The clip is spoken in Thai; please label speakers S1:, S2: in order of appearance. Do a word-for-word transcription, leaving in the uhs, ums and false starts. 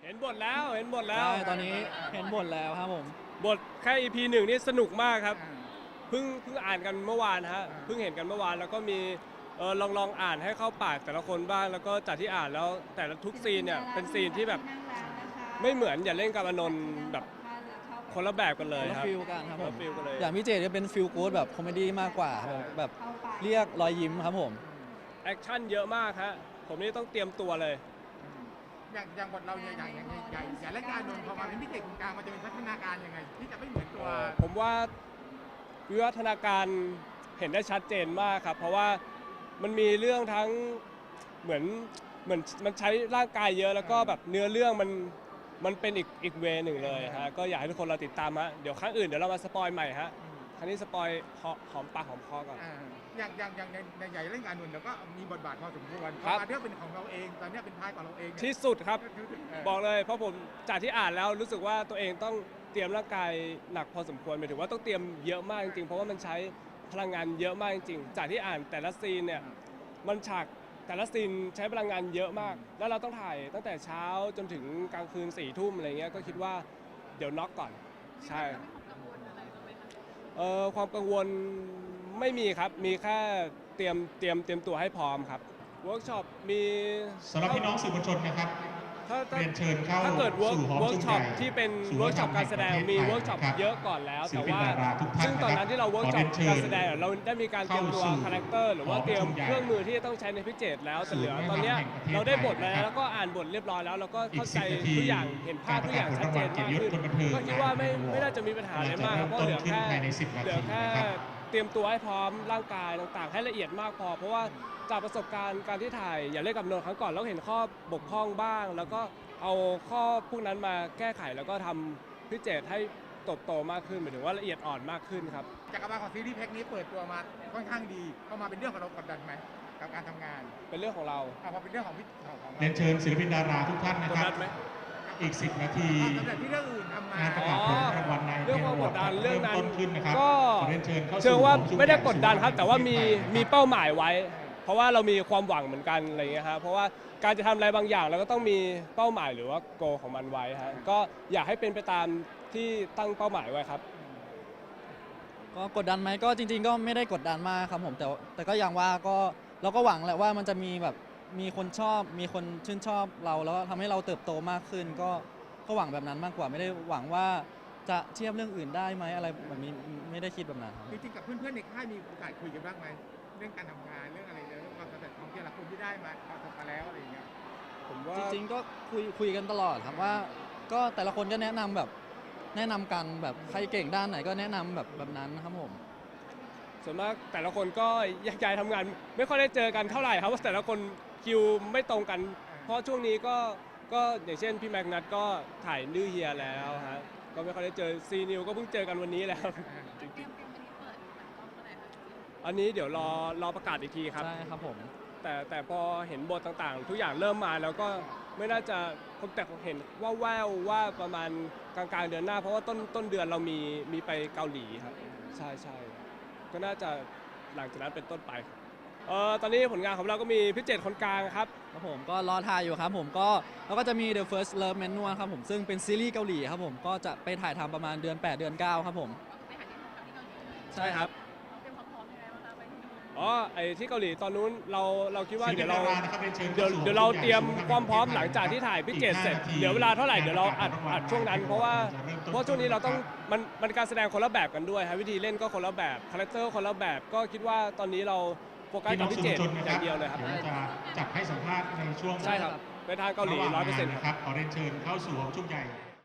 S1: เห็นบทแล้วเห็นบทแล้ว
S2: ใช่ตอนนี้เห็นบทแล้วครับผม
S1: บทแค่ อี พี หนึ่งนี่สนุกมากครับเพิ่งเพิ่งอ่านกันเมื่อวานฮะเพิ่งเห็นกันเมื่อวานแล้วก็มีเออลองลองอ่านให้เข้าปากแต่ละคนบ้างแล้วก็จากที่อ่านแล้วแต่ละทุกซีนเนี่ยเป็นซีนที่แบบไม่เหมือนอย่าเล่นกับอนนท์แบบคนละแบบกันเลย
S2: คนละ
S1: ครับ
S2: ฟิลกันครับ
S1: คน
S2: ผ
S1: ละ
S2: ม
S1: ฟิลกันเลย
S2: อย่างพี่เจจะเป็นฟิลกู๊ดแบบคอมเมดี้มากกว่าครับผมแบบเรียกรอยยิ้มครับผม
S1: แอคชั่นเยอะมากฮะผมนี่ต้องเตรียมตัวเลย
S3: อย่างอย่างบทเราเนี่ยอย่างอย่างอย่างอย่างอย่างรายการนนท์พอมาเป็นพิเศษของกลางมันจะเป็นพัฒนาการยังไง ที่จะไม่เหมือนตัว
S1: ผมว่าวิวัฒนาการเห็นได้ชัดเจนมากครับ เพราะว่ามันมีเรื่องทั้งเหมือนเหมือนมันใช้ร่างกายเยอะแล้วก็แบบเนื้อเรื่องมันมันเป็นอีกอีกเวหนึ่งเลยฮะก็อยากให้ทุกคนเราติดตามฮะเดี๋ยวครั้งอื่นเดี๋ยวเรามาสปอยใหม่ฮะครั้งนี้สปอยหอหอมปากหอมคอก่อน
S3: อ่าอย่างอย่างอย่างในในใหญ่เล่นการนนท์เราก็มีบทบาทพอสมควรพ
S1: ครั
S3: อบ มาเรื่องเป็นของเราเองตอนเนี้ยเป็นท้ายของเราเองเนี่ย
S1: ที่สุดครับ
S3: เออ
S1: บอกเลยเพราะผมจากที่อ่านแล้วรู้สึกว่าตัวเองต้องเตรียมร่างกายหนักพอสมควรหมายถึงว่าต้องเตรียมเยอะมากจริงๆเพราะว่ามันใช้พลังงานเยอะมากจริงๆจากที่อ่านแต่ละซีนเนี่ยมันฉากแต่ละซีนใช้พลังงานเยอะมาก แล้วเราต้องถ่ายตั้งแต่เช้าจนถึงกลางคืนสี่ทุ่มอะไรเงี้ยก็คิดว่าเดี๋ยวน็อกก่อนใช่เอ่อความกังวลไม่มีครับมีแค่เตรียมเตรียมเตรียมตัวให้พร้อมครับเวิร์กช็อปมี
S4: สำหรับพี่น้องสื่อมวลชนนะครับ
S1: ถ้าถ้า
S4: เรียนเชิญเข้า
S1: ถ้าเกิดเวิร์ก
S4: สู่หอ
S1: เวิร์
S4: ป
S1: ก
S4: ระชุม
S1: ช็อป
S4: ใหญ่
S1: ที่เป็น
S4: ศูนย์
S1: เวิร์กช็อปการแสดง
S4: วัฒนธรรม
S1: มี
S4: แห่งประเทศไทย
S1: เวิร์กช็อป
S4: นะครับ
S1: เยอะก่อนแล้ว
S4: ศิล
S1: แต่
S4: ปิน
S1: ว่า
S4: ดาราทุกท่าน
S1: ซึ่งตอนนั้นที่เราเวิร์กช็อป
S4: ขอเรียนเชิญ
S1: การแสดงเราได้มีการเตรียมตัว
S4: เข้าสู่
S1: คาแรคเตอร์หรือว่าเตรียม
S4: หอประชุมใหญ่
S1: เครื่องมือที่จะต้องใช้ในพิเจตแล้วแต่เหลือตอนเนี้ย
S4: ศูนย์วัฒนธรรมแห่งประเทศไทย
S1: เราได้บทมา
S4: นะครับ
S1: แล้วก็อ่านบทเรียบร้อยแล้วเราก็เข้าใจ
S4: อีกสิบนาที
S1: ทุกอย่างเห็นภาพทุกอย่างชัดเจนมากขึ้น
S4: การประกาศผลรางวัลเกียรติยศคนบันเทิง
S1: ก็คิดว่าไม่ไม่น่าจะมีปัญหาอะไรมากครับเพราะเหลือแค่
S4: จะเริ่มต้นขึ้นภายในสิบนาที
S1: เหลือแค่
S4: นะครับ
S1: เตรียมตัวให้พร้อมร่างกายต่างๆ ให้ละเอียดมากพอ เพราะว่าจากประสบการณ์การที่ถ่ายอย่าเล่นกับนนท์ครั้งก่อนเราเห็นข้อบกพร่องบ้าง แล้วก็เอาข้อพวกนั้นมาแก้ไขแล้วก็ทำพิเจตให้โตโตมากขึ้นหมายถึงว่าละเอียดอ่อนมากขึ้นครับ
S3: จักรวาลของซีรีส์แพ็คนี้เปิดตัวมาค่อนข้างดีเข้ามาเป็นเรื่องของเรากดดันไหมกับการทำงาน
S1: เป็นเรื่องของเรา
S3: อ่ะพอเป็นเรื่องของพี่ของของ
S4: เรียนเชิญศิลปินดาราทุกท่านนะ
S1: กด
S4: ครั
S1: ดั
S4: บ
S1: นไหม
S4: อีกสิบนาที
S3: ความสำเร็จที่เรื่องอื่นทำมาง
S4: านประกาศผลรางวัลใน
S1: เรื่องความกดดันเรื่องนั้น
S4: ต้นขึ้นนะครับ
S1: ก็
S4: ขอเรียนเชิญเข้าสู่
S1: เชิงว่า
S4: หอประชุ
S1: ไม่ได้กดดัน
S4: ใหญ่
S1: ครับ แต่ว่ามี
S4: ศูนย์วัฒนธรรม
S1: มีเป้าหมายไว้ เพราะว่าเรามีความหวังเหมือนกันอะไรเงี้ยครับเพราะว่าการจะทำอะไรบางอย่างเราก็ต้องมีเป้าหมายหรือว่าโกของมันไว้ฮะก็อยากให้เป็นไปตามที่ตั้งเป้าหมายไว้ครับ
S2: ก็กดดันไหมก็จริง ๆ ก็ไม่ได้กดดันมากครับผมแต่แต่ก็อย่างว่าก็เราก็หวังแหละว่ามันจะมีแบบมีคนชอบ มีคนชื่นชอบเราแล้วทำให้เราเติบโตมากขึ้น ก็ก็หวังแบบนั้นมากกว่าไม่ได้หวังว่าจะเทียบเรื่องอื่นได้ไหมอะไรแบบนี้ไม่ได้คิดแบบนั้นครับ
S3: จริงๆกับเพื่อนๆในค่ายมีโอกาสคุยกันบ้างไหมเรื่องการทำงานเรื่องอะไรเรื่องความสำเร็จของแต่ละคนที่ได้มาประสบมาแล้วอะไรอย่างเงี้ย
S1: ผมว่า
S2: จริงๆก็คุยคุยกันตลอดครับว่าก็แต่ละคนก็แนะนำแบบแนะนำกันแบบใครเก่งด้านไหนก็แนะนำแบบแบบนั้นครับผม
S1: ส่วนมากแต่ละคนก็แยกย้ายทำงาน ไม่ค่อยได้เจอกันเท่าไหร่ครับเพราะแต่ละคนคิวไม่ตรงกัน เพราะช่วงนี้ก็ก็อย่างเช่นพี่แม็กนัทก็ถ่ายดื้อเฮียแล้วฮะก็ไม่ค่อยได้เจอซีนิวก็เพิ่งเจอกันวันนี้แล้วจริงๆอันนี้เดี๋ยวรอรอประกาศอีกทีครับ
S2: ใช่ครับผม
S1: แต่แต่พอเห็นบทต่างๆ ทุกอย่างเริ่มมาแล้วก็ไม่น่าจะผมแต่เห็นว่าแววว่าประมาณกลางๆเดือนหน้า เพราะว่าต้นต้นเดือนเรามีมีไปเกาหลีครับใช่ใช่ก็น่าจะหลังจากนั้นเป็นต้นไปครับเออตอนนี้ผลงานของเราก็มีพิเจตคนกลางครับ
S2: ครับผมก็รอถ่ายอยู่ครับผมก็แล้วก็จะมี The First Love Manual ครับผมซึ่งเป็นซีรีส์เกาหลีครับผมก็จะไปถ่ายทำประมาณเดือนแปดเดือนเก้าครับผมใช่ครับ
S1: อ๋อไอที่เกาหลีตอนนู้นเราเราคิดว่า
S4: ศิลปิ
S1: เดี๋ย
S4: น
S1: วเรา
S4: ดารานะครับเรียนเชิญ
S1: เดี๋ยว
S4: เข้าสู่
S1: เดี๋ยวเราเตรียม
S4: หอประชุม
S1: ความพร้อม
S4: ใญ่
S1: หลังจากที่ถ่ายพิเจตเสร็จ
S4: อีกห้านาที
S1: เหลือเวลาเท่าไหร่เดี๋ยวเราอัด
S4: การประกาศ
S1: อัดช่วงนั้น เพราะว่า
S4: จะเริ่มต้น
S1: เพราะช่วงนี้เราต้องมันมันการแสดงคนละแบบกันด้วยฮะวิธีเล่นก็คนละแบบคาแรคเตอร์คนละแบบก็คิดว่าตอนนี้เราโฟกัส
S4: พี่น้
S1: กั
S4: อบ ง
S1: พิ
S4: สื่อ
S1: เจ
S4: มว
S1: ต
S4: ลชนนะ
S1: อ
S4: ครั
S1: ย่า
S4: บ
S1: งเดียวเลยครับ
S4: เดี๋ยวจะจับให้สัมภาษณ์ในช่วง
S1: ใช่ครับไปทางเกาหลี
S4: ะว่
S1: ร้อยเปอร์เซ็นต์
S4: งานนะครับขอเรียนเชิญเข้าสู่หอประชุมใหญ่